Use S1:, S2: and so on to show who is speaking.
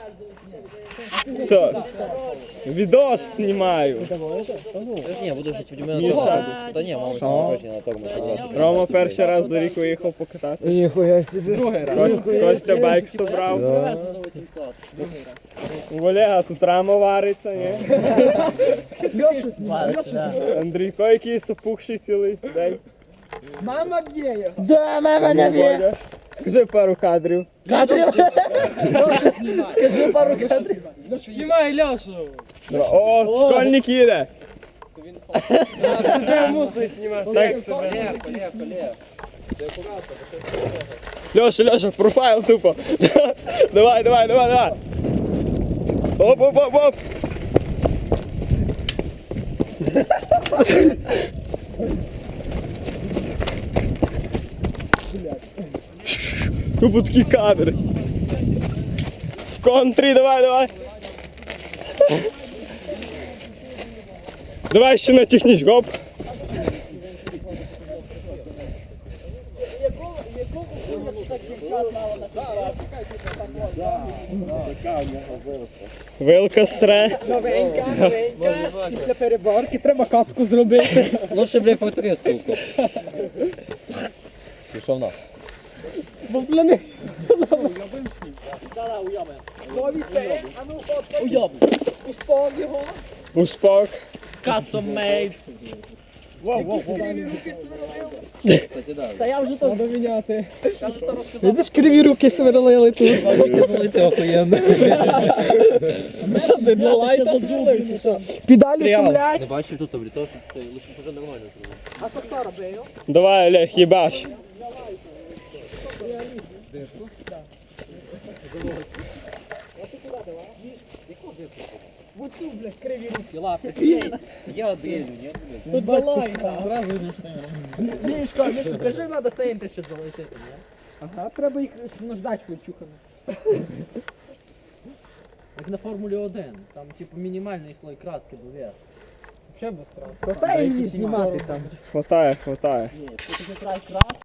S1: Що? Відос знімаю.
S2: Ні, буду жити в мене. Та ні, мабуть, точно на тому.
S1: Рома перший раз до рік виїхав покатати.
S3: Ніхуя собі.
S2: Другий раз.
S1: Костя байк собрав. У Олега тут рама вариться, ні? Андрійко якийсь опухший цілий день.
S3: Мама б'є його.
S4: Да, мама не б'є.
S1: Бодя, скажи пару кадрів.
S4: Скажи пару кадрів.
S3: Знімай Льошу.
S1: О, школьник їде. Ти мусиш знімати. Так себе. Льоша, профайл тупо. Давай. Оп. Тупо такий кадр. В контрі, давай. Давай ще на техніч, гоп. Вилка стре.
S3: Новенька. Після переборки треба катку зробити.
S2: Лучше, блядь, повтори, сука. Пішов на.
S3: Бо пляни. Успав його.
S1: Успок.
S3: Custom made.
S2: Та я вже то.
S3: Треба міняти. Видиш, криві руки сверлили тут.
S2: ти охуєнно.
S3: Що ти для лайта зробив? Педалі шумлять.
S2: Не бачив тут, блядь, то що лучше вже нормально зробив.
S3: А то хто робив?
S1: Давай, Олег, їбаш.
S3: Вот тут, блядь, криві руки.
S2: Лапи. Я один, ні?
S3: Тут для лайта. Зразу Мішка, Мішка, кажи, треба сенти ще залетити, ні? Ага, треба їх наждати ключухами.
S2: Як на Формулі 1, там типу мінімальний слой краски був вверх.
S3: Ще без краски. Хватає мені знімати там.
S1: Хватає.
S3: Ні, тут якраз краска.